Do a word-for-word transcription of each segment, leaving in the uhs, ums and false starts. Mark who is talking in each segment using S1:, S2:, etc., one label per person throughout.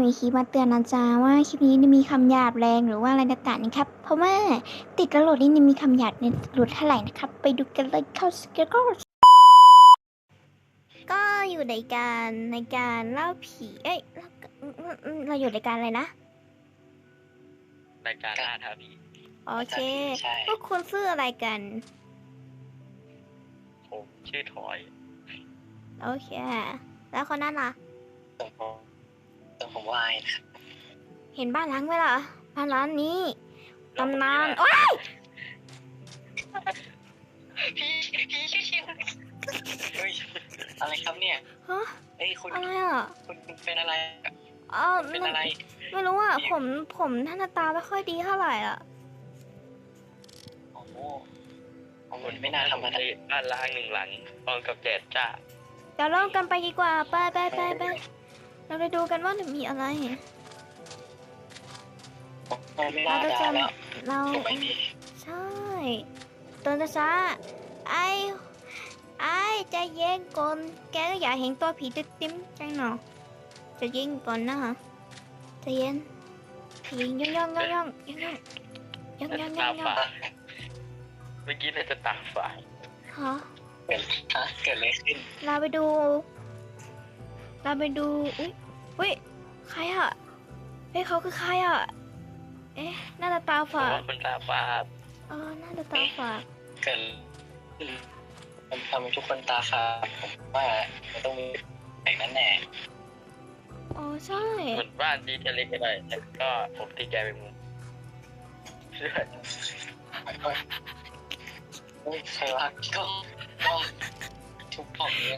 S1: มีคลิปมาเตือนนะจ๊ะว่าคลิปนี้มีคำหยาบแรงหรือว่าอะไรต่างๆนะครับเพราะว่าติดกระโหลกนี่มีคำหยาบในหลุดเท่าไหร่นะครับไปดูกันเลยเข้าสเกลก็ก็อยู่ในการในการเล่าผีเอ้ยเราอยู่ในการอะไรนะ
S2: รายการล่าท้าผี
S1: โอเคพวกคุณชื่ออะไรกัน
S2: ผมชื่อทอย
S1: โอเคแล้วคนนั้นล่ะ
S2: ส่งผมส่งผมวายนะ
S1: เห็นบ้านล้างไหมล่ะบ้านล้างนี้ตำนานโอ้ย
S2: พี่พี่ชื่อชิวเฮ้ยอะไรครับเนี่ย
S1: ฮะ
S2: เอ้ยคุณ
S1: อะไรอ่ะ
S2: คุณเป็นอะไร
S1: อ๋อ
S2: เป็นอะไร
S1: ไม่รู้อ่ะผมผมหน้าตาไม่ค่อยดีเท่าไหร่อ่ะ
S2: โอ้โหคุณไม่น่าทำอะไรบ้านล้างหนึ่งหลังพร้อมกับแดดจ้า
S1: เดี๋ยวเริ่มกันไปดีกว่าไปไปไปไปเราไปดูกันว่าจะมีอะไรเราจะจำเราใช่ตัวจะช้าไอไอจะเย็นก่อนแกก็อยากเห็นตัวผีติ๊มติ๊มจังหนอจะเย็นก่อนนะฮะจะเย็นผีย่องย่องย่องย่องย่องย่องย่องย่องย่อง
S2: เมื่อกี้เราจะตาฝาด
S1: ฮะ
S2: เกิดเกิดอะไรขึ้น
S1: เราไปดูเราไปดูอุ้ยอุ้ยใครอ่ะเฮ้ยเขาคือใครอ่ะเอ๊ะหน้าตาฝาด
S2: คนตาฝาด
S1: เออหน้าตาฝาด
S2: เกิดมันทำให้ทุกคนตาฝาดผมว่ามันต้องมีอย่างนั้นแน่
S1: อ๋อใช่
S2: เหมือนบ้านดีจะเล็กก็ได้แต่ก็ผมตีแกไปมุมเชื่อใครวะก็ก็ทุกผมเนี่ย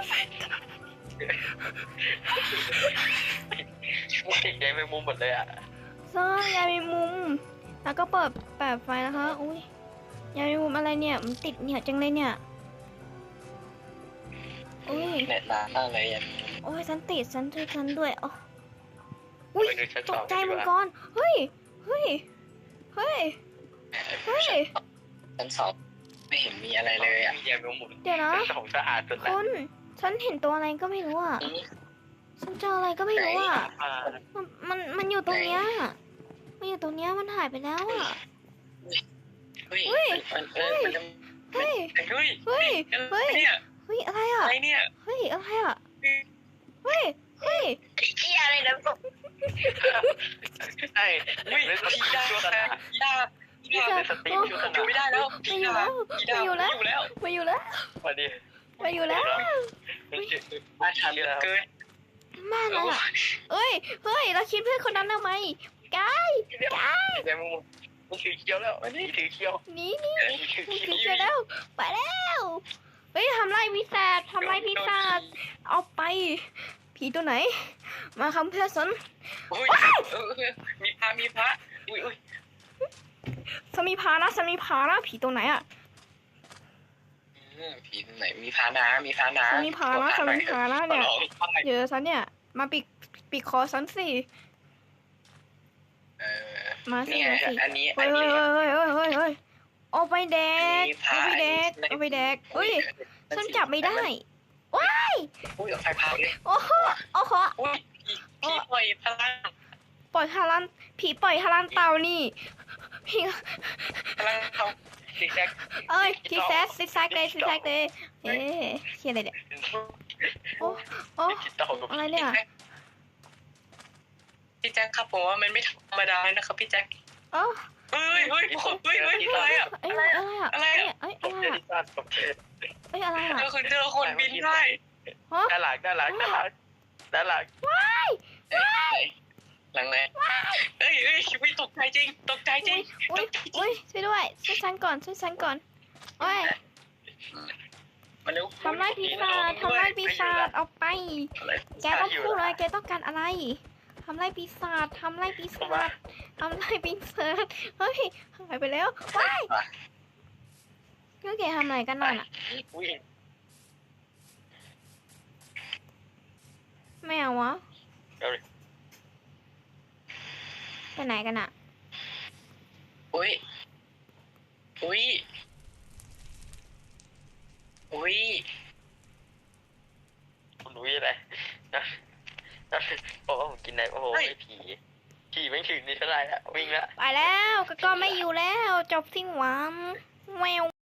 S2: ติดแกไปมุมหมดเลยอ่ะ
S1: ใช่ยายมีมุมแล้วก็เปิดแปดไฟนะคะอุ้ยยายมีมุมอะไรเนี่ยมันติดเหนียวจังเลยเนี่ยอุ้ย
S2: เน็ตนานมากเลยยัน
S1: โอ้ยฉันติดฉันด้วยฉันด้วยอ๋ออุ้ยตกใจมังกรเฮ้ยเฮ้ยเฮ้ยเฮ้ย
S2: ชั้นสองไม่เห็นมีอะไรเลยอ่ะเดี๋
S1: ยวนะ
S2: สองสะอาดสุดแล้ว
S1: คุณฉันเห็นตัวอะไรก็ไม่รู้อ่ะฉันเจออะไรก็ไม่รู้อ่ะมันมันมันอยู่ตรงเนี้ยมันอยู่ตรงเนี้ยมันหายไปแล้วอ่ะ
S2: เฮ้ยเฮ้ยเฮ้ยเฮ้ยเฮ้ยเฮ้ยเฮ้ย
S1: เฮ้ยอะไรอ่ะ
S2: อะไรเนี่ย
S1: เฮ้ยอะไรอ่ะเฮ้ยเฮ้ย
S2: เฮียอะไรนะใช่เฮ้ยพี่ดาพี่ดาพี่ดาเป็นสติอยู่ไม่ได้แล้ว
S1: มาอยู่แล้วมาอยู่แล้วมาอยู่แล้ว
S2: มาดิ
S1: มาอยู่แล้ว
S2: มาทันเกิน
S1: มาแล้วเอ้ยเฮ้ยเราคิดเพื่อนคนนั้นทำไมกายกาย
S2: แต่มึงมึงถือเคี้ยวแล้วอันนี้ถือเคี้ยว
S1: นี่นี่ถือเคี้ยวแล้วไปแล้วเฮ้ยทำไรพิศาจทำไรพิศาจเอาไปผีตัวไหนมาคำเพื่อสน
S2: มีพระมีพระอุ้ยอุ้ย
S1: สมีพานะสมีพานะผีตัวไหนอ่ะ
S2: ผีตัวไหนมีพานะมีพานะ
S1: สมีพานะสมีพานะเนี่ยเจอฉันเนี่ยมาปิดปิดคอฉันสิมาสิมาสิ
S2: อันนี้
S1: เฮ้ยเฮ้ยเฮ้ยเฮ้ยเฮ้ยเฮ้ยเอาไปแดกเอาไปแดกเอาไปแดกเฮ้ยฉันจับไม่ได้ว้าย
S2: อุ้ยไฟพาเลย
S1: โอ้โหโอ้โห
S2: ผีปล่อยพลัง
S1: ปล่อยฮารันผีปล่อยฮารันเต่านี่พี่
S2: พลังเขาซิกแซก
S1: เอ้ยซิกแซกซิกแซกเลยซิกแซกเลยเอ๊ะเขียนอะไรเนี่ยโอ้โอ้อะไรเนี่ย
S2: พี่แจ็คครับผมว่ามันไม่ธรรมดานะครับพี่แจ็ค
S1: เอ้
S2: เฮ้ยเฮ้ยเฮ้ยเฮ้ยอะไรอ่ะ
S1: อะไรอ่ะ
S2: อะไรอ่ะ
S1: เอ้ยอะไรอ่ะเอ้ยอะไรอ่ะ
S2: เจอคนเจอคนบินได้ด้านหลังด้านหลังด้านหลังด้านหลัง
S1: ว้ายว้าย
S2: หลังไหนเฮ้ยเฮ้ยวิตกใจจริงตกใจจริง
S1: อุ้ยอุ้ยช่วยด้วยช่วยฉันก่อนช่วยฉันก่อนโอ้ยทำไรปีศาจทำไรปีศาจเอาไปแกต้องพูดอะไรแกต้องการอะไรทำไรปีศาจทำไรปีศาจทำไรปีศาจเฮ้ยหายไปแล้วว้ายก็แกทำอะไรกันนั่นอ่ะไม่เอาวะไปไหนกันอ่ะ
S2: อุ้ยอุ้ยอุ้ยคุณอุ้ยอะไรบอกว่าผมกินไหนโอ้โหไม่ผีผีไม่ถึงนี่เท่าไหร่ละวิ่งละ
S1: ไปแล้วก็ก็ไม่อยู่แล้วจบสิ้นหวังแวว